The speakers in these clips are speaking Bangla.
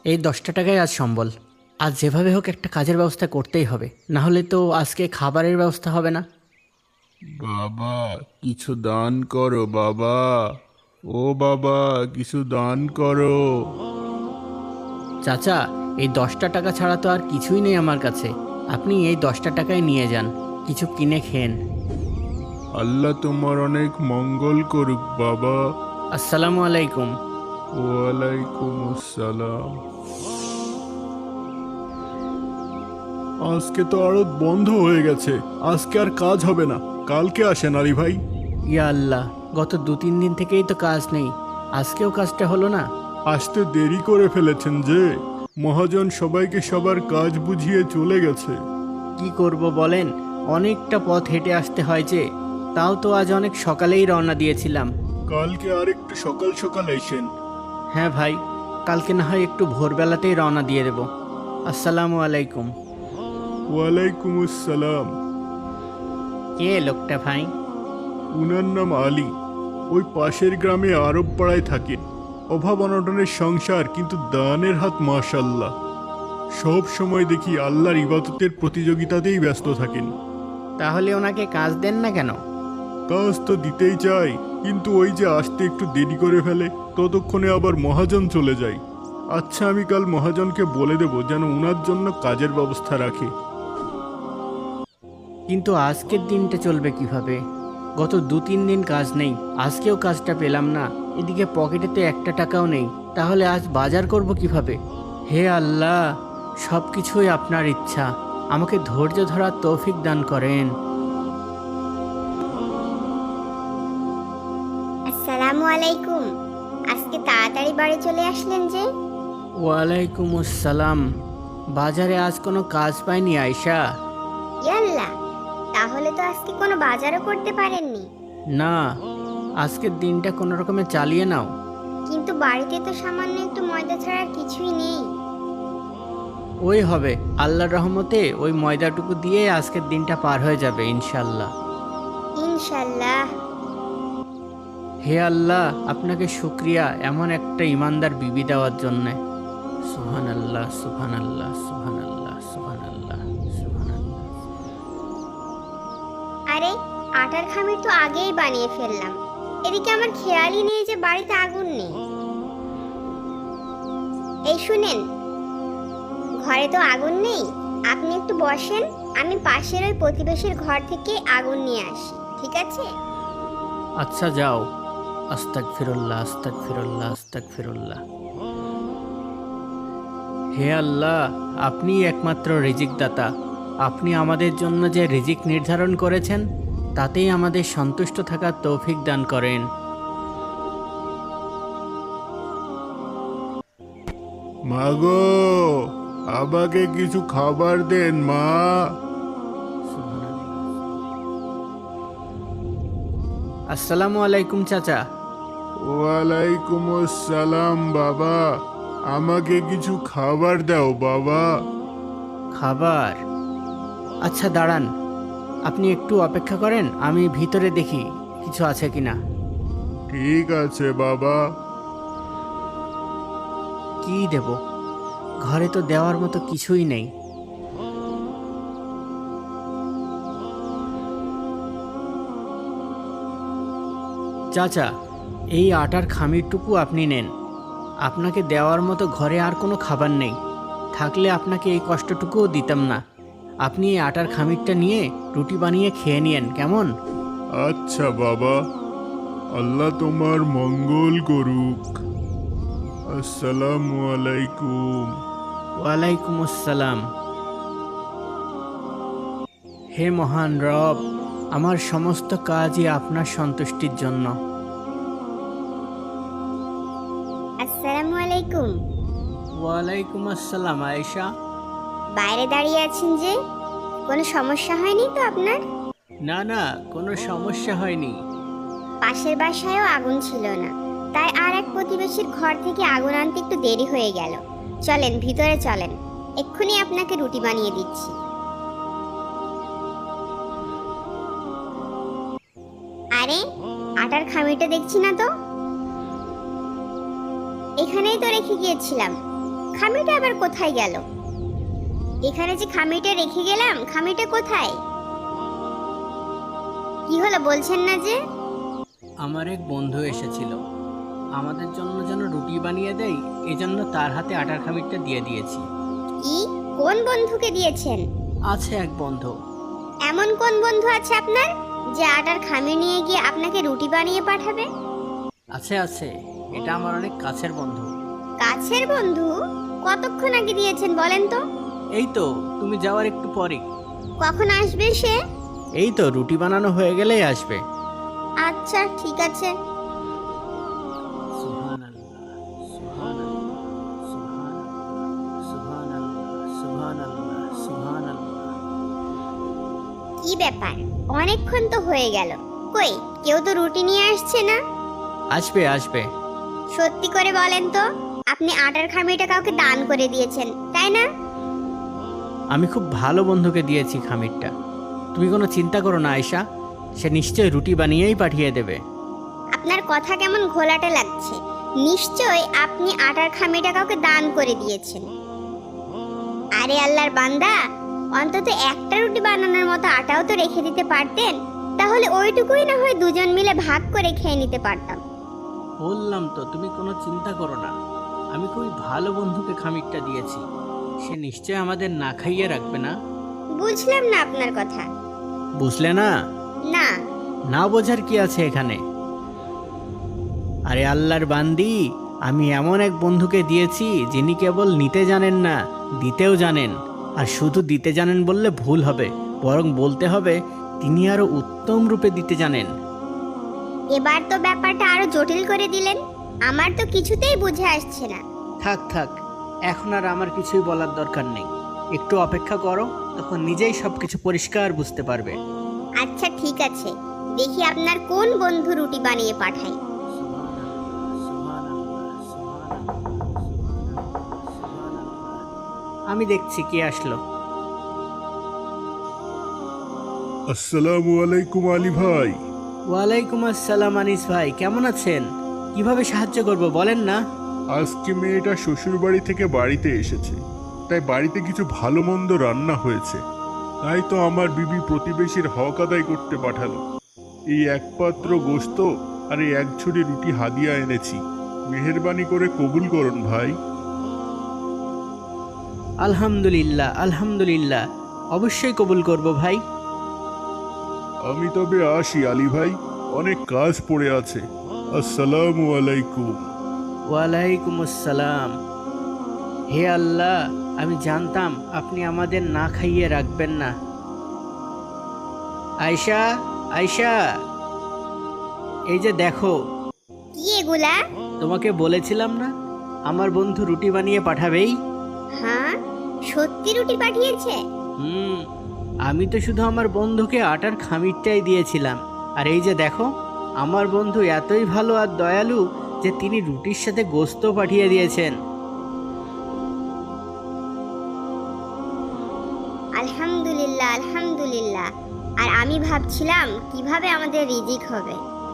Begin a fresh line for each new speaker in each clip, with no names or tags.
এই 10টা টাকায় আজ সম্বল। আজ যেভাবে হোক একটা কাজের ব্যবস্থা করতেই হবে, না হলে তো আজকে খাবারের ব্যবস্থা হবে না।
বাবা, কিছু দান করো বাবা। ও বাবা, কিছু দান করো।
চাচা, এই 10টা টাকা ছাড়া তো আর কিছুই নেই আমার কাছে। আপনি এই 10টা টাকায় নিয়ে যান, কিছু কিনে খেন।
আল্লাহ তোমার অনেক মঙ্গল করুক বাবা।
আসসালামু আলাইকুম।
ওয়ালাইকুম আসসালাম। আজকে তো আড়ত বন্ধ হয়ে গেছে, আজকে আর কাজ হবে না। কালকে আসেন আলী ভাই।
ইয়া আল্লাহ, গত 2-3 দিন থেকেই তো কাজ নেই, আজকেও কাজটা হলো না।
আসতে দেরি করে ফেলেছেন যে, মহাজন সবাইকে সবার কাজ বুঝিয়ে চলে গেছে।
কি করব বলেন, অনেকটা পথ হেঁটে আসতে হয় যে। তাও তো আজ অনেক সকালেই রওনা দিয়েছিলাম।
কালকে আর একটু সকাল সকাল এসেন।
হ্যাঁ ভাই, কালকে না হয় একটু ভোরবেলাতেই রওনা দিয়ে দেব। আসসালামু আলাইকুম।
ওয়ালাইকুম আসসালাম।
কে লোকটা ভাই?
উনার নাম আলী। ওই পাশের গ্রামে আরব পাড়ায় থাকেন। অভাব অনটনের সংসার, কিন্তু দানের হাত মাশাল্লাহ। সব সময় দেখি আল্লাহর ইবাদতের প্রতিযোগিতাতেই ব্যস্ত থাকেন।
তাহলে ওনাকে কাজ দেন না কেন?
কাজ তো দিতেই চাই, কিন্তু ওই যে আসতে একটু দেরি করে ফেলে, ততক্ষণে আবার মহাজন চলে যায়। আচ্ছা, আমি কাল মহাজনকে বলে দেব যেন উনার জন্য কাজের ব্যবস্থা রাখে।
কিন্তু আজকের দিনটা চলবে কিভাবে? গত 2-3 দিন কাজ নেই, আজকেও কাজটা পেলাম না। এদিকে পকেটে তো একটা টাকাও নেই, তাহলে আজ বাজার করব কিভাবে? হে আল্লাহ, সব কিছুই আপনার ইচ্ছা, আমাকে ধৈর্য ধরার তৌফিক দান করেন।
আসসালামু আলাইকুম। আজকে তাড়াতাড়ি বাড়ি চলে আসলেন যে?
ওয়ালাইকুম আসসালাম। বাজারে আজ কোনো কাজ পাইনি আয়শা।
ইয়াল্লা, তাহলে তো আজকে কোনো বাজারও করতে পারেননি।
না, আজকের দিনটা কোনো রকমে চালিয়ে নাও।
কিন্তু বাড়িতে তো সামান্য একটু ময়দা ছাড়া আর কিছুই নেই।
ওই হবে, আল্লাহর রহমতে ওই ময়দাটুকু দিয়ে আজকের দিনটা পার হয়ে যাবে ইনশাল্লাহ।
ইনশাল্লাহ।
হে আল্লাহ, আপনাকে শুক্রিয়া এমন একটা ইমানদার বিবি দেওয়ার জন্যে। সুবহান আল্লাহ, সুবহান আল্লাহ, সুবহান আল্লাহ, সুবহান আল্লাহ, সুবহান আল্লাহ।
আরে, আটার খামির তো আগেই বানিয়ে ফেললাম। এদিকে আমার খেয়ালই নেই যে বাড়িতে আগুন নেই। এই শুনেন, ঘরে তো আগুন নেই, আপনি একটু বসেন, আমি পাশের ওই প্রতিবেশীর ঘর থেকে আগুন নিয়ে আসি, ঠিক আছে?
আচ্ছা যাও। আস্তাগফিরুল্লাহ, আস্তাগফিরুল্লাহ, আস্তাগফিরুল্লাহ। হে আল্লাহ, আপনিই একমাত্র রিজিক দাতা। আপনি আমাদের জন্য যে রিজিক নির্ধারণ করেছেন, তাতেই আমাদের সন্তুষ্ট থাকার তৌফিক দান করেন।
মাগো, আমাকে কিছু খাবার দেন মা।
আসসালামু আলাইকুম চাচা।
ওয়ালাইকুম আসসালাম বাবা। আমাকে কিছু খাবার দাও বাবা।
খাবার? আচ্ছা দাঁড়ান, আপনি একটু অপেক্ষা করেন, আমি ভিতরে দেখি কিছু আছে কিনা।
ঠিক আছে বাবা।
কি দেব? ঘরে তো দেওয়ার মতো কিছুই নেই। চাচা, এই আটার খামিরটুকু আপনি নেন। আপনাকে দেওয়ার মতো ঘরে আর কোনো খাবার নেই, থাকলে আপনাকে এই কষ্টটুকুও দিতাম না। আপনি এই আটার খামিরটা নিয়ে রুটি বানিয়ে খেয়ে নিয়েন, কেমন?
আচ্ছা বাবা, আল্লাহ তোমার মঙ্গল করুক। আসসালামু আলাইকুম।
ওয়ালাইকুম আসসালাম। হে মহান রব, আমার সমস্ত কাজই আপনার সন্তুষ্টির জন্য।
আসসালামু আলাইকুম।
ওয়ালাইকুম আসসালাম আয়েশা।
বাইরে দাঁড়িয়ে আছেন যে, কোনো সমস্যা হয়নি তো আপনার?
না না, কোনো সমস্যা হয়নি।
পাশের বাসায়ও আগুন ছিল না, তাই আর এক প্রতিবেশীর ঘর থেকে আগুন আনতে একটু দেরি হয়ে গেল। চলেন ভিতরে চলেন, এক্ষুনি আপনাকে রুটি বানিয়ে দিচ্ছি। আরে, আটার খামিটা দেখছি না তো? এখানেই তো রেখে গিয়েছিলাম, খামিটা আবার কোথায় গেল? এখানে যে খামিটা রেখে গেলাম, খামিটা কোথায়? কি হলো বলছেন না যে?
আমার এক বন্ধু এসেছিল, আমাদের জন্য যেন রুটি বানিয়ে দেয়, এজন্য তার হাতে আটার খামিরটা দিয়ে দিয়েছি।
কি? কোন বন্ধুকে দিয়েছেন?
আছে এক বন্ধু।
এমন কোন বন্ধু আছে আপনার যে আটার খামির নিয়ে গিয়ে আপনাকে রুটি বানিয়ে পাঠাবে?
আছে আছে, এটা আমার অনেক কাছের বন্ধু।
কাছের বন্ধু? কতক্ষণ আগে দিয়েছেন বলেন তো?
এই তো তুমি যাওয়ার একটু পরে।
কখন আসবে সে?
এই তো রুটি বানানো হয়ে গেলেই আসবে।
আচ্ছা ঠিক আছে। কি ব্যাপার, অনেকক্ষণ তো হয়ে গেল, কই কেউ তো রুটি নিয়ে আসছে না?
আসবে আসবে।
সত্যি করে বলেন তো, আপনি আটার খামিটা কাউকে দান করে দিয়েছেন তাই না?
আমি খুব ভালো বন্ধুকে দিয়েছি খামিরটা, তুমি কোনো চিন্তা করো না আয়শা, সে নিশ্চয়ই রুটি বানিয়েই পাঠিয়ে দেবে।
আপনার কথা কেমন ঘোলাটে লাগছে। নিশ্চয় আপনি আটার খামিটা কাউকে দান করে দিয়েছেন। আরে আল্লাহর বান্দা, অন্তত একটা রুটি বানানোর মতো আটাও তো রেখে দিতে পারতেন, তাহলে ওইটুকুই না হয় দুজন মিলে ভাগ করে খেয়ে নিতে পারতাম।
বললাম তো তুমি কোনো চিন্তা করো না, আমি খুবই ভালো বন্ধুকে খামিরটা দিয়েছি, সে নিশ্চয় আমাদের না খাইয়ে রাখবে না।
বুঝলাম না আপনার কথা।
বুঝলে না?
না।
না বোঝার কি আছে এখানে? আরে আল্লাহর বান্দি, আমি এমন এক বন্ধুকে দিয়েছি যিনি কেবল নিতে জানেন না, দিতেও জানেন। আর শুধু দিতে জানেন বললে ভুল হবে, বরং বলতে হবে তিনি আরো উত্তম রূপে দিতে জানেন।
এবার তো ব্যাপারটা আরো জটিল করে দিলেন, আমার তো কিছুতেই বুঝে আসছে না।
থাক থাক, এখন আর আমার কিছুই বলার দরকার নেই, একটু অপেক্ষা করো, তখন নিজেই সবকিছু পরিষ্কার বুঝতে পারবে।
আচ্ছা ঠিক আছে, দেখি আপনার কোন বন্ধু রুটি বানিয়ে পাঠায়।
আমি দেখছি কে আসলো।
আসসালামু আলাইকুম আলী ভাই।
ওয়ালাইকুম আসসালাম আনিস ভাই, কেমন আছেন? কিভাবে সাহায্য করব বলেন না?
আজকে মেয়েটা শ্বশুর বাড়ি থেকে বাড়িতে এসেছে, তাই বাড়িতে কিছু ভালো মন্দ রান্না হয়েছে, তাই তো আমার বিবি প্রতিবেশীর হক আদায় করতে পাঠালো। এই এক পাত্র গোশত আর এই এক ঝুড়ি রুটি হাদিয়া এনেছি, মেহেরবানি করে কবুল করুন ভাই।
আলহামদুলিল্লাহ আলহামদুলিল্লাহ, অবশ্যই কবুল করব ভাই।
আমি তবে আসি আলী ভাই, অনেক কাজ পড়ে আছে। আসসালামু আলাইকুম।
ওয়ালাইকুম আসসালাম। হে আল্লাহ, আমি জানতাম আপনি আমাদের না খাইয়ে রাখবেন না। আয়শা, আয়শা, এই যে দেখো।
কি এগুলা?
তোমাকে বলেছিলাম না আমার বন্ধু রুটি বানিয়ে পাঠাবেই?
হ্যাঁ, সত্যি রুটি পাঠিয়েছে?
আমি তো শুধু আমার বন্ধুকে আটার খামিরটাই দিয়েছিলাম, আর এই যে দেখো, আমার বন্ধু এতই ভালো আর দয়ালু যে তিনি রুটির সাথে গোশত পাঠিয়ে দিয়েছেন।
আলহামদুলিল্লাহ আলহামদুলিল্লাহ। আর আমি ভাবছিলাম কিভাবে আমাদের রিজিক হবে।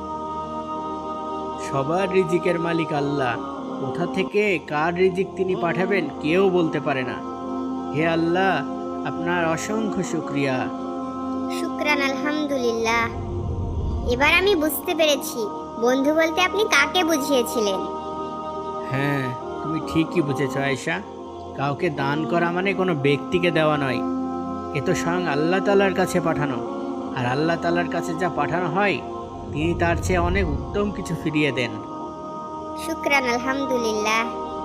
সবার রিজিকের মালিক আল্লাহ, কোথা থেকে কার রিজিক তিনি পাঠাবেন কেউ বলতে পারে না। হে আল্লাহ, আপনার অসংখ্য শুকরিয়া।
শুকরান আলহামদুলিল্লাহ। এবার আমি বুঝতে পেরেছি বন্ধু বলতে আপনি কাকে বুঝিয়েছিলেন।
হ্যাঁ, তুমি ঠিকই বুঝেছ আয়েশা, কাউকে দান করা মানে কোনো ব্যক্তিকে দেওয়া নয়, এ তো স্বয়ং আল্লাহ তাআলার কাছে পাঠানো, আর আল্লাহ তাআলার কাছে যা পাঠানো হয় তিনি তার চেয়ে অনেক উত্তম কিছু ফিরিয়ে দেন।
শুকরান আলহামদুলিল্লাহ।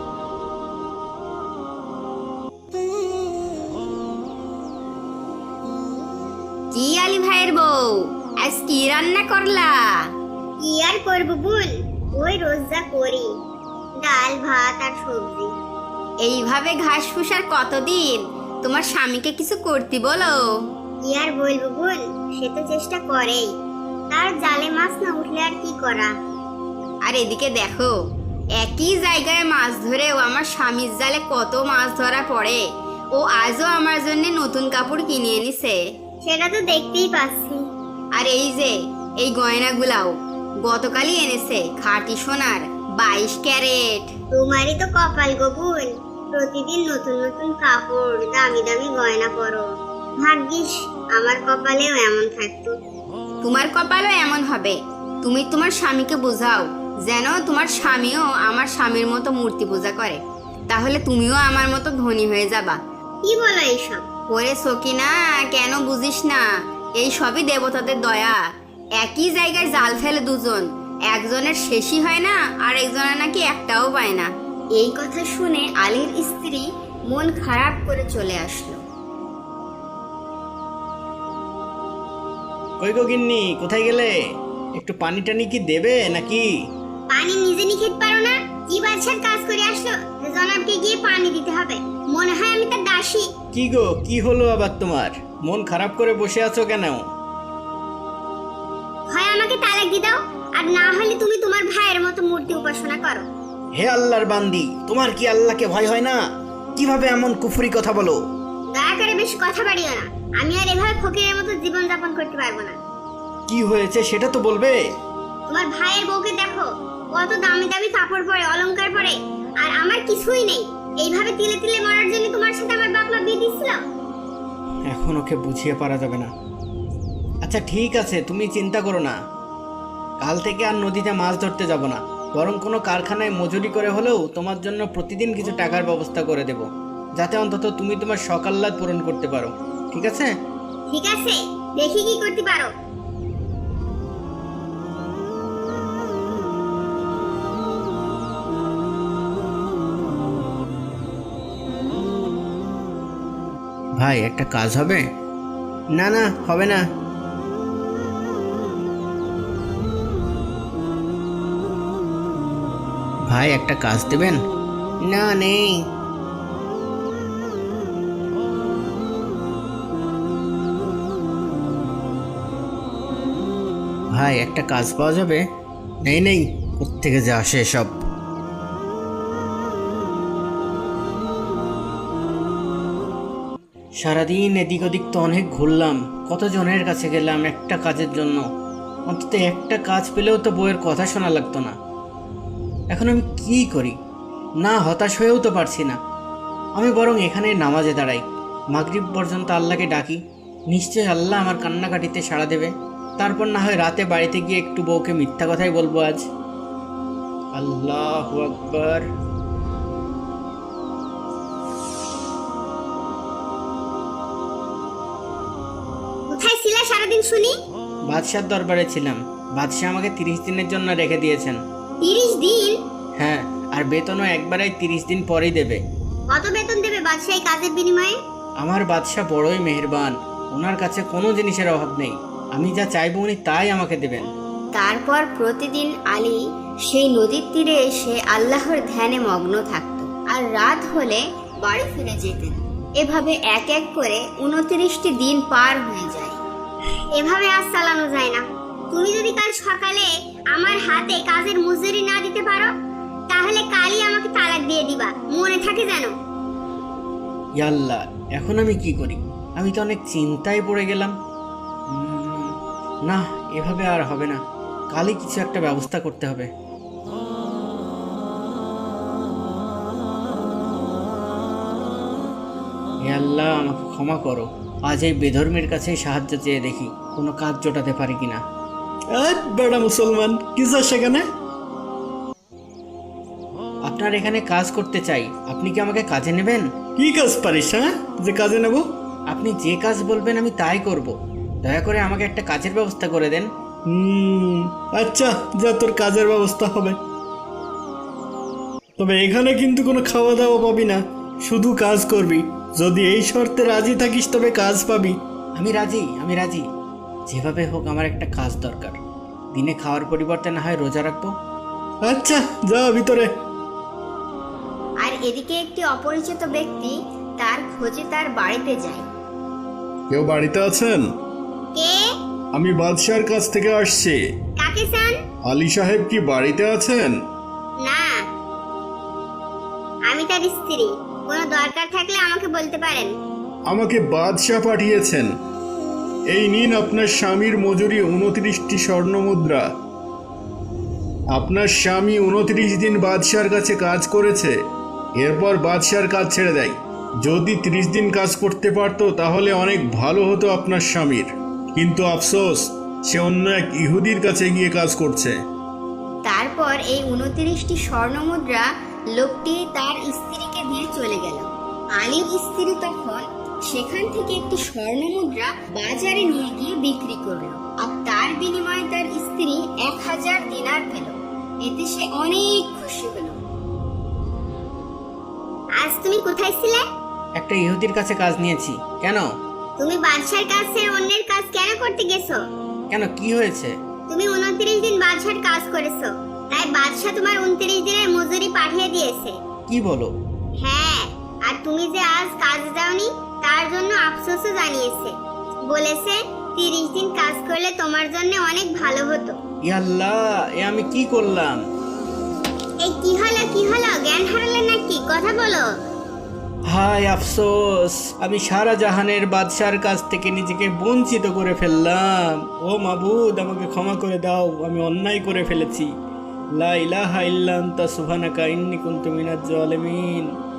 কি আলী ভাইয়ের বউ, আজ কি রান্না করলা?
কি আর করবো বোন, ওই রোজ যা করি, ডাল ভাত আর সবজি।
এইভাবে ঘাস ফুসার কতদিন? তোমার স্বামীকে কিছু করতে বলো।
কি আর বলবো বোন, সে তো চেষ্টা করেই, তার জালে মাছ না উঠলে আর কি করা।
আর এদিকে দেখো, একই জায়গায় মাছ ধরেও আমার স্বামীর জালে কত মাছ ধরা পড়ে। ও আজও আমার জন্য নতুন কাপড় কিনে এনেছে।
সেটা তো দেখতেই পাচ্ছি।
আর এই যে এই গয়নাগুলাও গতকালই এনেছে, খাঁটি সোনার 22 ক্যারেট।
তোমারই তো কপাল গো বোন, প্রতিদিন নতুন নতুন কাপড়, দামি দামি গয়না পরো। ভাগ্যিস আমার কপালেও এমন থাকতো।
তোমার কপালও এমন হবে। তুমি তোমার স্বামীকে বোঝাও যেন তোমার স্বামীও আমার স্বামীর মতো মূর্তি পূজা করে, তাহলে তুমিও আমার মতো ধনী হয়ে যাবা।
কি বলো এইসব?
ওরে সকিনা, কেন বুঝিস না? এই সবই দেবতাদের দয়া। একই জায়গায় জাল ফেলে দুজন, একজনের শেষই হয় না আর একজনের নাকি একটাও পায় না। এই কথা শুনে আলীর স্ত্রী মন খারাপ করে চলে আসলো।
কই গো গিন্নি, কোথায় গেলে? একটু পানি টানি কি দেবে নাকি?
পানি নিজে নিয়ে খেতে পারো না? কি বাদশার কাজ করে আসলো যে জনাবকে গিয়ে পানি দিতে হবে? মনে হয় আমি তার দাসী।
কি গো, কি হলো আবার তোমার? মন খারাপ করে বসে আছো কেন?
হয় আমাকে তালাক দিয়ে দাও, আর না হলে তুমি তোমার ভাইয়ের মতো মূর্তি উপাসনা করো।
হে আল্লাহর বান্দি, তোমার কি আল্লাহকে ভয় হয় না? কিভাবে এমন কুফরি কথা বলো?
দয়া করে বেশি কথা বাড়িও না। আমি আর এভাবে ফকিরের মতো জীবন যাপন করতে পারবো না।
কি হয়েছে সেটা তো বলবে।
তোমার ভাইয়ের বউকে দেখো, কত দামি দামি কাপড় পরে, অলংকার পরে, আর আমার কিছুই নেই। এইভাবে তিলে তিলে মরার জন্য তোমার সাথে আমার বাপ মা বিয়ে দিছিল।
এখন ওকে বুঝিয়ে পারা যাবে না। আচ্ছা ঠিক আছে, তুমি চিন্তা করো না। কাল থেকে আর নদীতে মাছ ধরতে যাব না, বরং কোনো কারখানায় মজুরি করে হলেও তোমার জন্য প্রতিদিন কিছু টাকার ব্যবস্থা করে দেব, যাতে অন্তত তুমি তোমার শখ আহ্লাদ পূরণ করতে পারো। ঠিক আছে?
ঠিক আছে, দেখি কি করতে পারো।
ভাই, একটা কাজ হবে? না না, হবে না। ভাই, একটা কাজ দেবেন? না, নেই। ভাই, একটা কাজ পাওয়া যাবে? নেই নেই, কোত্থেকে যে আসে সব। সারাদিন এদিক ওদিক তো অনেক ঘুরলাম, কতজনের কাছে গেলাম একটা কাজের জন্য। অন্তত একটা কাজ পেলেও তো বউয়ের কথা শোনা লাগতো না। এখন আমি কি করি? না, হতাশ হয়েও তো পারছি না। আমি বরং এখানে নামাজে দাঁড়াই, মাগরিব পর্যন্ত আল্লাহকে ডাকি। নিশ্চয়ই আল্লাহ আমার কান্নাকাটিতে সাড়া দেবে। তারপর না হয় রাতে বাড়িতে গিয়ে একটু বউকে মিথ্যা কথাই বলবো আজ। আল্লাহু আকবার।
কোথায় ছিলা সারাদিন শুনি?
বাদশার দরবারে ছিলাম। বাদশাহ আমাকে 30 দিনের জন্য রেখে দিয়েছেন।
30 দিন?
হ্যাঁ, আর বেতনও একবারেই 30 দিন পরেই দেবে।
কত বেতন দেবে বাদশাহ এই কাজের বিনিময়ে?
আমার বাদশাহ বড়ই মেহেরবান, ওনার কাছে কোনো জিনিসের অভাব নেই। আমি যা চাইবো উনি তাই আমাকে দেবেন।
তারপর প্রতিদিন আলী সেই নদীর তীরে এসে আল্লাহর ধ্যানে মগ্ন থাকত, আর রাত হলে বাড়ি ফিরে যেতেন। এভাবে এক এক করে 29টি দিন পার হয়ে যায়।
এভাবে আজ চালানো যায় না। তুমি যদি কাল সকালে আমার হাতে কাজের মজুরি না দিতে পারো, তাহলে কালই আমাকে তালাক দিয়ে দিবা, মনে থাকে যেন।
ইয়া আল্লাহ, এখন আমি কি করি? আমি তো অনেক চিন্তায় পড়ে গেলাম। না, এভাবে আর হবে না, কালই কিছু একটা ব্যবস্থা করতে হবে। হে আল্লাহ, আমাকে ক্ষমা করো। আজ এই বেধর্মের কাছে সাহায্য চেয়ে দেখি কোনো কাজ জোটাতে পারি কিনা। বেড়া মুসলমান, কি যা সেখানে? আপনার এখানে কাজ করতে চাই, আপনি কি আমাকে কাজে নেবেন?
কি কাজ পারিস, হ্যাঁ, যে কাজে নেব?
আপনি যে কাজ বলবেন আমি তাই করব। দয়া করে আমাকে একটা কাজের ব্যবস্থা করে দেন।
আচ্ছা, যা, তোর কাজের ব্যবস্থা হবে। তবে এখানে কিন্তু কোনো খাওয়া দাওয়া পাবি না, শুধু কাজ করবি। যদি এই শর্তে রাজি থাকিস তবে কাজ পাবি।
আমি রাজি, আমি রাজি। যেভাবে হোক আমার একটা কাজ দরকার। দিনে খাওয়ার পরিবর্তে না হয় রোজা রাখবো।
আচ্ছা, যা ভিতরে।
আর এদিকে একটি অপরিচিত ব্যক্তি তার খোঁজে তার বাড়িতে যায়।
কেউ বাড়িতে আছেন?
কে?
আমি বাদশার কাছ থেকে আসছি।
কাকে চান?
আলী সাহেব কি বাড়িতে আছেন?
না, আমি তার স্ত্রী। কোনো দরকার থাকলে আমাকে বলতে পারেন।
আমাকে বাদশাহ পাঠিয়েছেন। এই নিন আপনার স্বামীর মজুরি 29টি স্বর্ণ মুদ্রা। আপনার স্বামী 29 দিন বাদশার কাছে কাজ করেছে, এরপর বাদশার কাজ ছেড়ে দেয়। যদি 30 দিন কাজ করতে পারতো তাহলে অনেক ভালো হতো আপনার স্বামীর, কিন্তু আফসোস সে অন্য এক ইহুদির কাছে গিয়ে কাজ করছে।
তারপর এই 29টি স্বর্ণ মুদ্রা লোকটি তার স্ত্রীকে দিয়ে চলে গেল। আলীর স্ত্রী তখন সেখান থেকে একটি স্বর্ণ মুদ্রা বাজারে নিয়ে গিয়ে বিক্রি করলো, আর তার বিনিময়ে তার স্ত্রী 1000 দিনার পেল। এতে সে অনেক খুশি হলো।
আজ তুমি কোথায় ছিলে?
একটা ইহুদির কাছে কাজ নিয়েছি। কেন?
তুমি বাদশার কাজ ছেড়ে অন্যের কাজ কেন করতে গেছো?
কেন, কি হয়েছে?
তুমি 29 দিন বাদশার কাজ করেছো, তাই বাদশা তোমার 29 দিনের মজুরি পাঠিয়ে দিয়েছে।
কি বলো?
হ্যাঁ, আর তুমি যে আজ কাজে যাওনি তার জন্য আফসোসও জানিয়েছে। বলেছে 30 দিন কাজ করলে তোমার জন্য অনেক ভালো হতো।
ইয়াল্লাহ, এ আমি কি করলাম?
এই কি হলো জ্ঞান হারালে নাকি? কথা বলো।
হায় আফসোস, আমি সারা জাহানের বাদশার কাছ থেকে নিজেকে বঞ্চিত করে ফেললাম। ও মাবুদ, আমাকে ক্ষমা করে দাও, আমি অন্যায় করে ফেলেছি। লা ইলাহা ইল্লা আনতা সুবহানাকা ইন্নী কুনতু মিনাজ জালিমিন।